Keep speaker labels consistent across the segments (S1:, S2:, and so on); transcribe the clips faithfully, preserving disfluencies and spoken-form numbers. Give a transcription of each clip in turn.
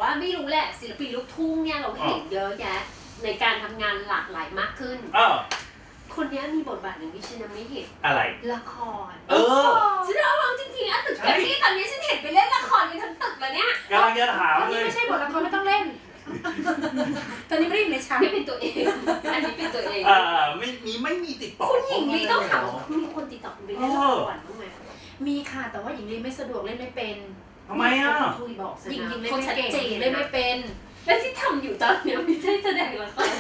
S1: ว่าไม่รู้แหละศิลปินลูกทุ่งเนี่ยเราเห็นเยอะแยะในการทำงานหลากหลายมากขึ้นคนนี้มีบทบาทหนึ่งที่ฉันยังไม่เห็น
S2: อะไร
S1: ละคร
S2: เออ
S1: ฉันเอาลองจริงๆอะตึกแกรมมี่ตอนนี้ฉันเห็นไปเล่นละครกันทั้งตึกแล้วเนี่ย
S2: กำลังจะถามเลย
S3: ไม่ใช่บทละครไม่ต้องเล่นตอนนี้ไม่ได้อยู่ในฉาก
S1: ไม่เป็นตัวเองอันนี้เป็นตัวเอง
S2: อ่าไม่มีไม่มีติดต่อ
S1: คุณหญิงลีต้องถามมีคนติดต่อคุณไปเล่นละครบ้างไหม
S3: มีค่ะแต่ว่าหญิงลีไม่สะดวกเล่นไม่เป็น
S2: ทำไมอ่ะ
S1: คุยบอก
S3: หญิงหญิงเล่นไม่เก่งเล่นไม่เป็น
S1: และที่ทำอยู่ตอนนี้ไม่ใช่แสดงละคร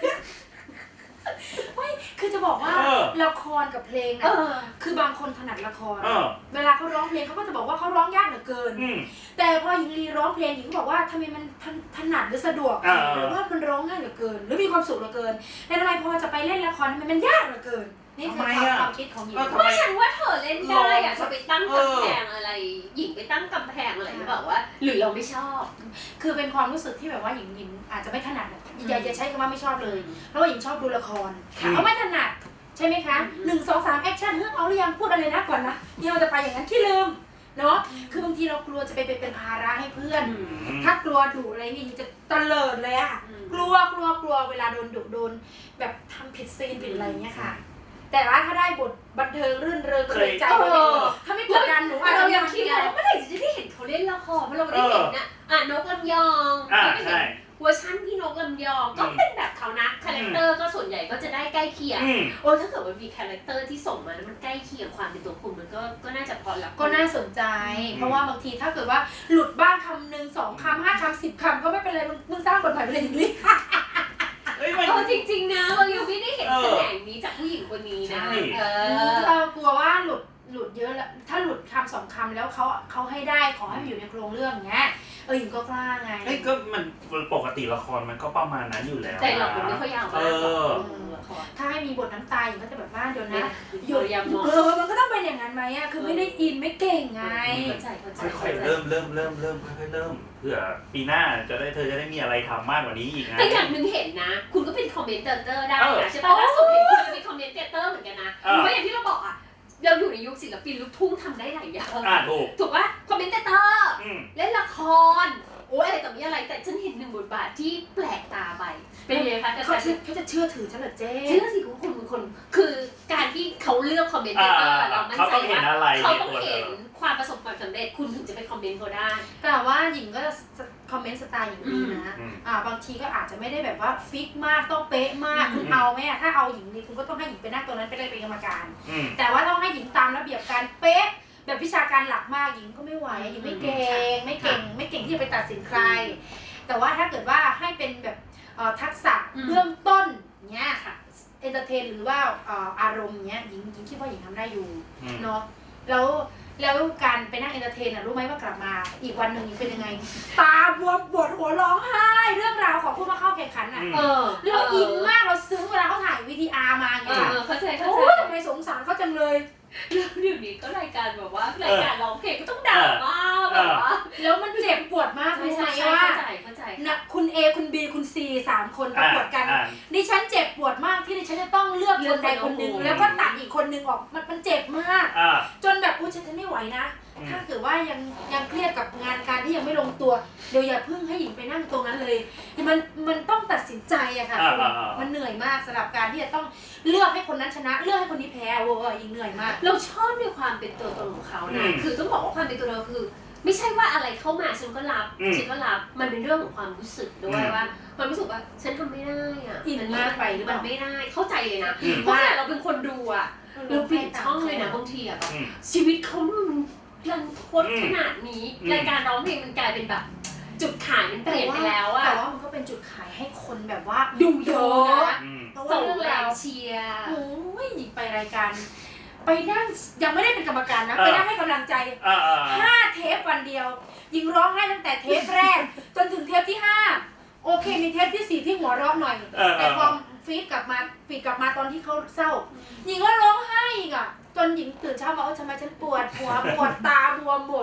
S3: ไม่คือจะบอกว่าละครกับเพลงนะคือบางคนถนัดละครเวลาเขาร้องเพลงเขาก็จะบอกว่าเขาร้องยากเหลือเกินแต่พอหญิงลีร้องเพลงหญิงก็บอกว่าทำไมมันถนัดหรือสะดวกหรือว่ามันร้องง่ายเหลือเกินหรือมีความสุขเหลือเกินแต่ทำไมพอจะไปเล่นละครมันมันยากเหลือเกินนี่คือความคิดของหญิง
S1: เพราะฉันว่าเธอเล่นได้อะจะไปตั้งกำแพงอะไรหญิงไปตั้งกำแพงอะไรหรือเปล่าว่าหรือเราไม่ชอบ
S3: คือเป็นความรู้สึกที่แบบว่าหญิงหญิงอาจจะไม่ถนัดอย่าอย่าใช้คำว่าไม่ชอบเลยเพราะว่าหญิงชอบดูละครเขาไม่ถนัดใช่ไหมคะหนึ่งสองสามแอคชั่นเฮ้ยเอาหรือยังพูดอะไรนะก่อนนะเดี๋ยวจะไปอย่างนั้นที่ลืมเนาะคือบางทีเรากลัวจะไปเป็นภาระให้เพื่อนถ้ากลัวดุอะไรนี่จะตะเลิดเลยอะกลัวกลัวกลัวเวลาโดนดุโดนแบบทำผิดซีนผิดอะไรเงี้ยค่ะแต่ว่าถ้าได้บทบันเทิงรื่นเริงเลยใจถ้าไม่กดดันหนูอาจจะ
S1: ยังคิดว่าเมื่อไหร่จะได้เห็นเขาเล่นละครเพราะเราได้เห็นน่ะอ่ะนกลำยองไม่เห็นเวอร์ชันพี่นกลำยองก็เป็นแบบเขานะคาแรคเตอร์ก็ส่วนใหญ่ก็จะได้ใกล้เคียงโอ้ถ้าเกิดมันมีคาแรคเตอร์ที่ส่งมาแล้วมันใกล้เคียงความเป็นตัวคุณมันก็ก็น่าจะพอแล้ว
S3: ก็น่าสนใจเพราะว่าบางทีถ้าเกิดว่าหลุดบ้างคำหนึ่งสองคำห้าคำสิบคำก็ไม่เป็นไรมึงสร้างบทใหม่ไปเลยจริง
S1: เออจริงๆนะเรายังไม่ได้เห็นแสดงนี้จากผู้หญิงคนนี้นะ
S3: เออเรากลัวว่าหลุดหลุดเยอะแล้วถ้าหลุดคำสองคำแล้วเขาเขาให้ได้ขอให้มันอยู่ในโครงเรื่องเงี้ยเออหญิงก็กล้าไง
S2: เอ้ยก็มันปกติละครมันก็ประมาณนั้นอยู่แล้ว
S1: แต่เราไม่ค่อยยาวมาก
S3: ถ้าให้มีบทน้ำตาหญิงก็จะแบบว่าเดี๋ยวนะหยุดเออมันก็ต้องเป็นอย่างนั้นไหมอ่ะคือไม่ได้อินไม่เก่งไง
S2: ค่อยๆเริ่มเริ่มเริ่มเริ่มค่อยๆเริ่มเพื่อปีหน้าจะได้เธอจะได้มีอะไรทำมากกว่านี้อีกนะ
S1: แต่อย่างหนึ่งเห็นนะคุณก็เป็นคอมเมนเตอร์ได้นะใช่ป่ะล่าสุดเห็นคุณเป็นคอมเมนเตอร์เหมือนกันนะเพราะอย่างที่เราบอกอ่ะเราอยู่ในยุคศิลปินลูกทุ่งทำได้หลายอย่างถูกป่ะคอมเมนเตอร์เล่นละครโอ้ยอะไรต่อมีอะไรแต่ฉันเห็นหนึ่งบทบาทที่แปลกตาไปเป็นยังไงคะ
S3: เขาเขาจะเชื่อถือฉันเหรอเจ๊
S1: เชื่อสิคุณคุณคนคือการที่เขาเลือกคอมเมนเตอร์เรามั่นใจว่าเขาต้องเห็นความประสบความสำเร็จคุณถึงจะไปคอมเมนต์เขาได้
S3: แต่ว่าหญิงก็คอมเมนต์สไตล์อย่างนี้นะอ่าบางทีก็อาจจะไม่ได้แบบว่าฟิกมากต้องเป๊ะมากคุณเอาไหมอะถ้าเอาหญิงนี่คุณก็ต้องให้หญิงไปนั่งตัวนั้นไปเลยเป็นกรรมการแต่ว่าต้องให้หญิงตามระเบียบการเป๊ะแบบวิชาการหลักมากหญิงก็ไม่ไหวหญิงไม่เก่งไม่เก่งไม่เก่งที่จะไปตัดสินใครแต่ว่าถ้าเกิดว่าให้เป็นแบบทักษะเบื้องต้นเนี้ยค่ะเอนเตอร์เทนหรือว่าอารมณ์เนี้ยหญิงหญิงคิดว่าหญิงทำได้อยู่เนาะแล้วแล้วการไปนั่งเอนเตอร์เทนอ่ะรู้ไหมว่ากลับมาอีกวันหนึ่งเป็นยังไงตาบวมปวดหัวร้องไห้เรื่องราวของผู้มาเข้าแข่งขันอ่ะเราอินมากเราซึ้งเวลาเขาถ่ายวีทีอาร์มาอย่างเงี้ย
S1: เข้าใจเข้าใจ
S3: โอ้ยทำไมสงสารเขาจังเลย
S1: แล้วเดี๋ยวนี้ก็รายการแบบว่ารายการร้องเพลงก็ต้องด่ามากแบบว่า
S3: แล้วมันเจ็บปวดมากรู้ไหมว่านะคุณเอคุณบีคุณซีสามคนประกวดกันดิฉันเจ็บปวดมากที่ดิฉันจะต้องเลือกคนใดคนหนึ่งแล้วก็ตัดอีกคนหนึ่งออกมันมันเจ็บมากจนแบบอุ้ยฉันไม่ไหวนะถ้าเกิดว่ายังยังเครียดกับงานการที่ยังไม่ลงตัวเดี๋ยวอย่าเพิ่งให้หญิงไปนั่งตรงนั้นเลยมันมันต้องตัดสินใจอะค่ะมันเหนื่อยมากสำหรับการที่จะต้องเลือกให้คนนั้นชนะเลือกให้คนนี้แพ้โว้ยหญิงเหนื่อยมาก
S1: เราชอบในความเป็นตัวตนของเขานะคือต้องบอกว่าความเป็นตัวเราคือไม่ใช่ว่าอะไรเข้ามาฉันก็รับฉันก็รับมันเป็นเรื่องของความรู้สึกด้วยว่าความรู้สึกว่าฉันทำไม่ได้อะ
S3: อินมากไปหรือเปล่า
S1: ไม่ได้เข้าใจเลยนะเพราะเราเป็นคนดูอะเราเปลี่ยนช่องเลยนะบางทีอะแบบชีวิตเขารันทดขนาดนี้รายการร้องเพลงมันกลายเป็นแบบจุดขายมันเปลี่ยนไปแล้วอะ
S3: แต่ว่ามันก็เป็นจุดขายให้คนแบบว่า
S1: ดูเยอะ
S3: นะเพราะว่าเรื่องราว
S1: เชียร์
S3: โอ้ยหญิงไปรายการไปนั่งยังไม่ได้เป็นกรรมการนะไปนั่งให้กำลังใจห้าเทปวันเดียวหญิงร้องไห้ตั้งแต่เทปแรกจนถึงเทปที่ห้าโอเคมีเทปที่สี่ที่หัวเราะหน่อยแต่พอฟีดกลับมาฟีดกลับมาตอนที่เขาเศร้าหญิงก็ร้องไห้อีกอ่ะจนหญิงตื่นเช้ามาว่าทำไมฉันปวดหัวปวดตาบวมหมด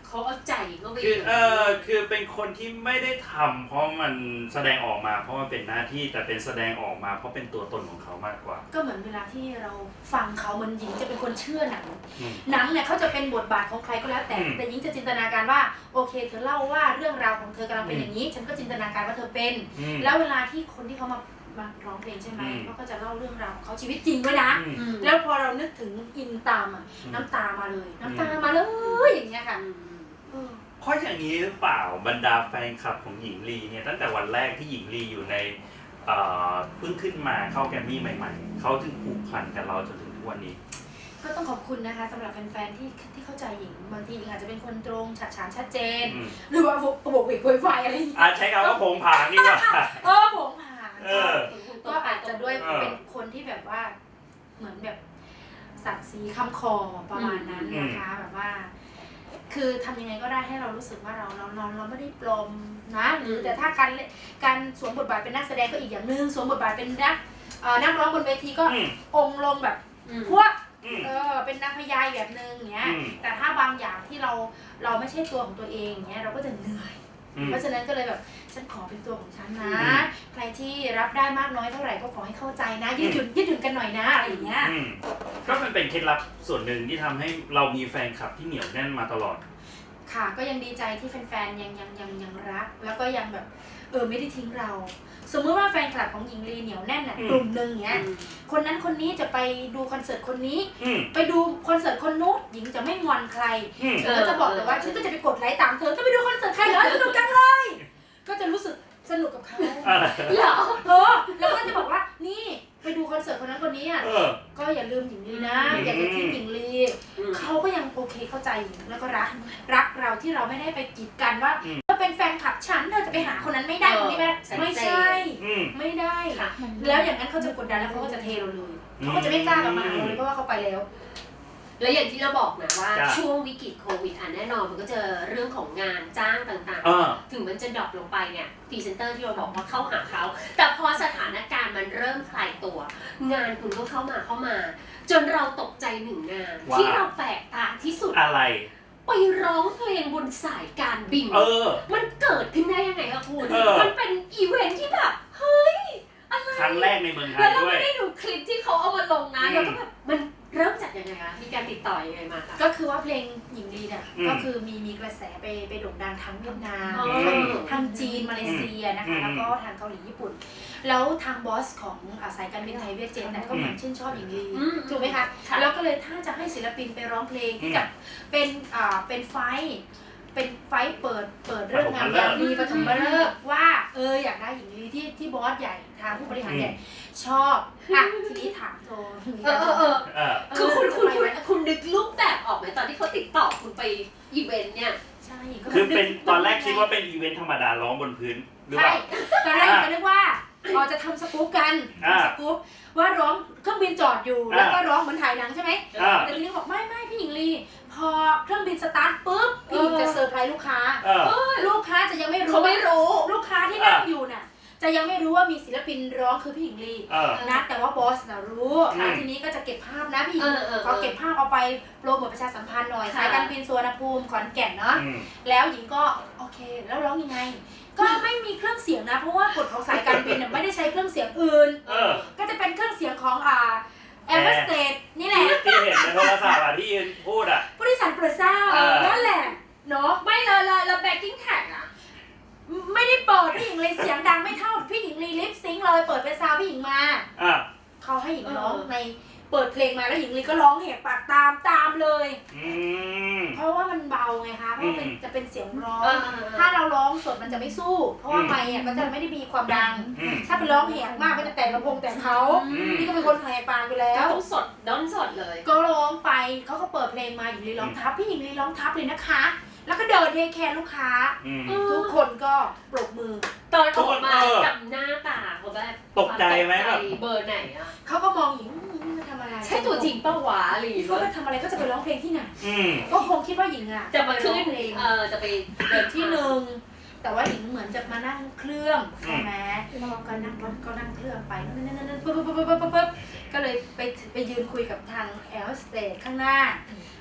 S1: เขาเอาใจเข้าไป
S2: คือเออคือเป็นคนที่ไม่ได้ทำเพราะมันแสดงออกมาเพราะมันเป็นหน้าที่แต่เป็นแสดงออกมาเพราะเป็นตัวตนของเขามากกว่า
S3: ก็เหมือนเวลาที่เราฟังเขาเหมือนหญิงจะเป็นคนเชื่อหนัง
S2: อืม
S3: หนังเนี่ยเขาจะเป็นบทบาทของใครก็แล้วแต่
S2: อืม
S3: แต่หญิงจะจินตนาการว่าโอเคเธอเล่าว่าเรื่องราวของเธอกำลังเป็นอย่างนี้ ฉันก็จินตนาการว่าเธอเป็น
S2: อืม
S3: แล้วเวลาที่คนที่เขามามาร้องเพลงใช่ไหม
S2: อืม
S3: เขาก็จะเล่าเรื่องราวของเขาชีวิตจริงด้วยนะ
S2: อืม
S1: อืม
S3: แล้วพอเรานึกถึงอินตามอ่ะ
S2: อืม
S3: น้ำตามาเลย น้ำตา
S2: อืม
S3: มาเลยอย่างเงี้ยค่ะ
S1: อืม
S3: เออ
S2: เพราะอย่างนี้หรือเปล่าบรรดาแฟนคลับของหญิงลีเนี่ยตั้งแต่วันแรกที่หญิงลีอยู่ในเอ่อเพิ่งขึ้นมาเข้าแกรมมี่ใหม่ๆเขาถึงผูกพันกับเราจนถึงทุกวันนี้
S3: ก็ต้องขอบคุณนะคะสำหรับแฟนๆที่ที่เข้าใจหญิงบางทีหญิงอาจจะเป็นคนตรงฉะฉานชัดเจน
S2: อืม
S3: หรือว่าโบกเวกโวยวายอะไรอย่างเงี้ย
S2: อาใช้คำว่าโผงผางดีกว่า
S3: เออผมผ่าน
S2: เออ
S3: ก็อาจจะด้วย
S2: เออ
S3: เป็นคนที่แบบว่าเหมือนแบบสัตว์สีคำคอประมาณนั้นนะคะแบบว่า คือทำยังไงก็ได้ให้เรารู้สึกว่าเราเราเราเราไม่ได้ปลอมนะหรือแต่ถ้าการการสวมบทบาทเป็นนักแสดงก็อีกอย่างหนึ่งสวมบทบาทเป็นนักเอ่อนักร้องบนเวทีก็
S2: อืม
S3: องค์ลงแบบ
S1: อืม
S3: พวก
S2: อืม
S3: เออเป็นนางพญาแบบนึงอย่างเงี้ย
S2: อืม
S3: แต่ถ้าบางอย่างที่เราเราไม่ใช่ตัวของตัวเองอย่างเงี้ยเราก็จะเหนื่อย
S2: อืม
S3: เพราะฉะนั้นก็เลยแบบฉันขอเป็นตัวของฉันนะ
S2: อืม
S3: ใครที่รับได้มากน้อยเท่าไหร่ก็ขอให้เข้าใจนะยืดหยุ่นยืดหยุ่นกันหน่อยนะอะไรอย่างเงี้ย
S2: อืมก็มันเป็นเคล็ดลับส่วนหนึ่งที่ทำให้เรามีแฟนคลับที่เหนียวแน่นมาตลอด
S3: ค่ะก็ยังดีใจที่แฟนๆยังยังยังยังรัก แล้วก็ยังแบบเออไม่ได้ทิ้งเรา สมมติว่าแฟนคลับของหญิงลีเหนียวแน่นน่ะ
S2: อืม
S3: กลุ่มหนึ่งเนี้ยคนนั้นคนนี้จะไปดูคอนเสิร์ตคนนี้
S2: อืม
S3: ไปดูคอนเสิร์ตคนนู้นหญิงจะไม่งอนใคร
S2: อืม
S3: เธอก็จะบอกแต่ว่าฉันก็จะไปกดไลค์ตามเธอก็ไปดูคอนเสิร์ตใครเหรอสนุกจังเลย ก็จะรู้สึกสนุกกับเขา
S2: อ่า
S3: เหรอเออแล้วก็จะบอกว่านี่ไปดูคอนเสิร์ตคนนั้นคนนี้อ่ะ
S2: เออ
S3: ก็อย่าลืมหญิงลีนะ
S2: อืม
S3: อย่าจะทิ้งหญิงลี
S1: อืม
S3: เขาก็ยังโอเคเข้าใจหญิงแล้วก็รักรักเราที่เราไม่ได้ไปกีดกันว่าเธอเป็นแฟนคลับฉันเธอจะไปหาคนนั้นไม่ได้คนนี้ไม่ได้ไม่ใช่
S2: อืม
S3: ไม่ได้
S1: ค่ะ
S3: แล้วอย่างนั้นเขาจะกดดันแล้วเขาก็จะเทเราเลยเขาก็จะไม่กล้ากลับมาหาเราเลยเพราะว่าเขาไปแล้ว
S1: แล้วอย่างที่เราบอกนะว่า
S2: จ้ะ
S1: ช่วงวิกฤตโควิดอ่ะแน่นอนมันก็เจอเรื่องของงานจ้างต่าง
S2: เออ
S1: ๆ ถึงมันจะดรอปลงไปเนี่ยพรีเซนเตอร์ที่เราบอกว่าเข้าหาเขาแต่พอสถานการณ์มันเริ่มคลายตัว งานคุณก็เข้ามาเข้ามา จนเราตกใจหนึ่งงาน
S2: ว่า
S1: ที่เราแปลกตาที่สุด
S2: อะไร
S1: ไปร้องเพลงบนสายการบิน
S2: เออ
S1: มันเกิดขึ้นได้ยังไงคะคุณ
S2: เออ
S1: มันเป็นอีเวนท์ที่แบบเฮ้ยอะไร
S2: ครั้งแรกในเมืองไท
S1: แล้
S2: ยว
S1: เรา
S2: ด้วย
S1: ไม่ได้ดูคลิปที่เขาเอามาลงนะ
S2: อืม
S1: แล้วก็แบบมันเริ่มจากยังไงคะมีการติดต่อยังไงมาคะ
S3: ก็คือว่าเพลงหญิงลีเนี่ย
S2: อืม
S3: ก็คือมีมีกระแสไปไปโด่งดังทั้งเวียดนาม
S1: อ๋อ
S3: ทางทางจีนมาเลเซียนะ
S2: อื
S3: คะ
S2: ม
S3: แล้วก็ทางเกาหลีญี่ปุ่น แล้วทางบอสของอ่าสายการบินไทยเวียดเจ็ตเนี่ยก็เหมือนชื่นชอบหญิงลี
S1: อืม
S3: ถูกไหมคะ
S1: ค่ะ
S3: แล้วก็เลยถ้าจะให้ศิลปินไปร้องเพลงที่จะเป็นอ่าเป็นไฟท์เป็นไฟท์เปิดเปิดเรื่องงานยามดีปฐมฤกษ์ว่าเอออยากได้หญิงลีที่ที่บอสใหญ่ทางผู้บริหารใหญ่ชอบอ่ะทีนี้ถามโทร
S1: เออเออเออ
S2: เออ
S1: คือคุณคุณคุณคุณนึกรูปแบบออกไหมตอนที่เขาติดต่อคุณไปอีเวนต์เนี่ย
S3: ใช่
S2: คือเป็นตอนแรกคิดว่าเป็นอีเวนต์ธรรมดาร้องบนพื้นหรือเป
S3: ใช่
S2: ล่า
S3: ตอนแรกหญิงก็นึกว่าเราจะทำสกู๊ปกัน
S2: อ่า
S3: ทำสกู๊ปว่าร้องเครื่องบินจอดอยู่
S2: อ่า
S3: แล้วก็ร้องเหมือนถ่ายหนังใช่ไหม
S2: อ่า
S3: แต่ทีนี้บอกไม่ไม่พี่หญิงลีพอเครื่องบินสตาร์ทปุ๊บพี่หญิงจะเซอร์ไพรส์ลูกค้า
S2: เออ
S3: ลูกค้าจะยังไม่รู้
S1: เขาไม่รู้
S3: ลูกค้าที่นั่งอยู่น่ะจะยังไม่รู้ว่ามีศิลปินร้องคือพี่หญิงลี
S2: เออ
S3: นะแต่ว่าบอสน่ะรู้
S2: อืม
S3: อ่ะทีนี้ก็จะเก็บภาพนะพี่หญิง
S1: เออเออเออ
S3: เขาเก็บภาพเอาไปโปรโมทประชาสัมพันธ์หน่อย
S1: ค่ะ
S3: สายการบินสุวรรณภูมิขอนแก่นเนาะ
S2: อืม
S3: แล้วหญิงก็โอเคแล้วร้องยังไง ก็ไม่มีเครื่องเสียงนะเพราะว่ากฎของสายการบินน่ะไม่ได้ใช้เครื่องเสียงอื่น
S2: เออ
S3: ก็จะเป็นเครื่องเสียงของอ่าแอร์โฮสเตสนี่แหละ
S2: ที่เห็นในโทรศัพท์อ่ะที่ยืนพูดอ่ะ
S3: ผู้โดยสารโปรดทราบ
S2: เออ
S3: นั่นแหละเนาะ
S1: ไม่เลยเลยแล้วแบ็กกิ้งแท็กอะ
S3: ไม่ได้เปิดพี่หญิงเลยเสียงดังไม่เท่าพี่หญิงลีลิปซิงค์เลยเปิดเป็นซาวด์พี่หญิงมา
S2: อ่ะ
S3: เขาให้หญิงร้องในเปิดเพลงมาแล้วหญิงลีก็ร้องแหกปากตามตามเลย
S2: อืม
S3: เพราะว่ามันเบาไงคะเพราะว่าเป็น
S2: อืม
S3: จะเป็นเสียงร้อง
S1: เออ
S3: ถ้าเราร้องสดมันจะไม่สู้ เพราะว่า
S2: อืม
S3: ไมค์อ่ะก็จะไม่ได้มีความดัง
S2: อืม
S3: ถ้าเป็นร้องแหกมากก็จะแตกลำโพงแต่เขา
S2: อืม
S3: นี่ก็เป็นคนแหกปากไปแล้
S1: ก็
S3: ว
S1: ต้องสดด้นสดเลย
S3: ก็ร้องไปเขาก็เปิดเพลงมาหญิงลีร้องทับพี่หญิงลีร้องทับเลยนะคะ แล้วก็เดินเทคแคร์ลูกค้า
S2: อืม
S3: ทุกคนก็ปรบมือ
S1: ตอนออกมา
S2: เออ
S1: กับหน้าตาเขาแบบ
S2: ตกใจไหม
S1: ตก
S2: แบบ
S1: เบอร์ไหนอะ
S3: เขาก็มองหญิงอืมมาทำอะไร
S1: ใช่ตัวจริงป้าวะอะไรอย่างเงี้
S3: เขา
S1: ย
S3: ไปทำอะไรก็จะไปร้องเพลงที่ไหน
S2: อืม
S3: ก็คงคิดว่าหญิงอ่ะ
S1: จะมาขึ้น
S3: ไปร้องเพลง
S1: เออจะไปเดิน
S3: ที่
S1: ที่
S3: ห
S1: หนึ่ง
S3: นึ่งแต่ว่าหญิงเหมือนจะมานั่งเครื่องใช่ไหมก็นั่งรถก็นั่งเครื่องไปนั่นนั่นนั่นปุ๊บปุ๊บปุ๊บปุ๊บปุ๊บก็เลยไปไปยืนคุยกับทางแอร์โฮสเตสข้างหน้า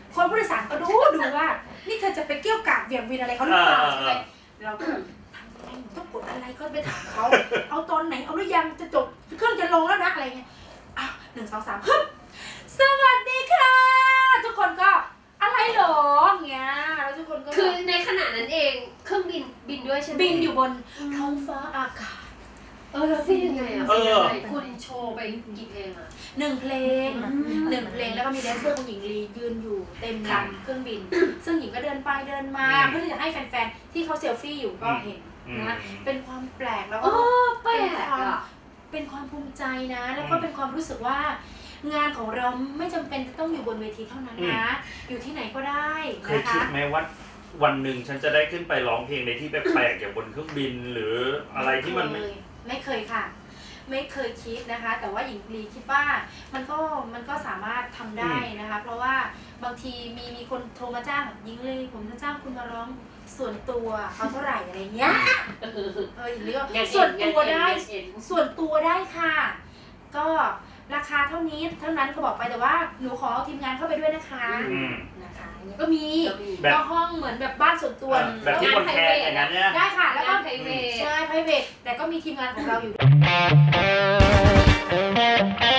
S3: คนผู้โดยสารก็ดูดูว่านี่เธอจะไปเกี่ยวกาดเบี่ยงวินอะไรเขาหรือเปล่าใช่ไหมเราก็ทำยังไงต้องกดอะไรก็ไปถามเขาเอาตอนไหนเอาหรือยังจะจบเครื่องจะลงแล้วนะอะไรเงี้ยอ้าวหนึ่งสองสามฮึบสวัสดีค่ะทุกคนก็อะไรหรอเงี้ยแล้วทุกคนก็
S1: คือในขณะนั้นเองเครื่องบินบินด้วยใช่ไหม
S3: บินอยู่บนท้องฟ้าอากาศ
S1: เออแล้วเป็นยังไงอ่ะ
S2: เออ
S1: คุณโชว์ไปกี่เพลงอ่ะ
S3: หนึ่งเพลงหนึ่งเพลงแล้วก็มีแดนเซอร์คุณหญิงลียืนอยู่เต็มลำเครื่องบิน ซึ่งหญิงก็เดินไปเดินมาเพื่อที่จะให้แฟนๆที่เขาเซลฟี่อยู่ก็เห็นนะเป็นความแปลกแล้ว
S1: โอ้
S3: ก็
S1: แปล
S3: เป็น
S1: ก
S3: ความ
S1: อ่ะ
S3: เป็นความภูมิใจนะ แล้วก็เป็นความรู้สึกว่างานของเราไม่จำเป็นจะต้องอยู่บนเวทีเท่านั้นนะ อยู่ที่ไหนก็ได้
S2: เคย
S3: นะ
S2: คิ
S3: คะ
S2: ดไหมว่าวันหนึ่งฉันจะได้ขึ้นไปร้องเพลงในที่แปลกๆอย่างบนเครื่องบินหรืออะไรที่มันไม่
S3: เคยไม่เคยค่ะ ไม่เคยคิดนะคะ แต่ว่าหญิงลีคิดว่ามันก็มันก็สามารถทำได้นะคะ เพราะว่าบางทีมีมีคนโทรมาจ้างหญิงลีผมจะจ้างคุณมาร้องส่วนตัวเอาเท่าไหร่อะไรเงี้ยเออหญิงลีก็ส่วนตัวได้ส่วนตัวได้ค่ะ ก็ราคาเท่านี้เท่านั้นเขาบอกไปแต่ว่าหนูขอทีมงานเข้าไปด้วยนะคะ
S2: อืม
S3: นะคะอย่างเงี้ยก็มี
S2: แบบ
S3: ก็ห้องเหมือนแบบบ้านส่วนตัว
S2: แบบที่คนแคร์อย่างนั้นเนี่ย
S3: ได้ค่ะแล้วก็
S1: ไพรเวท
S3: ใช่ private แต่ก็มีทีมงานของเราอยู่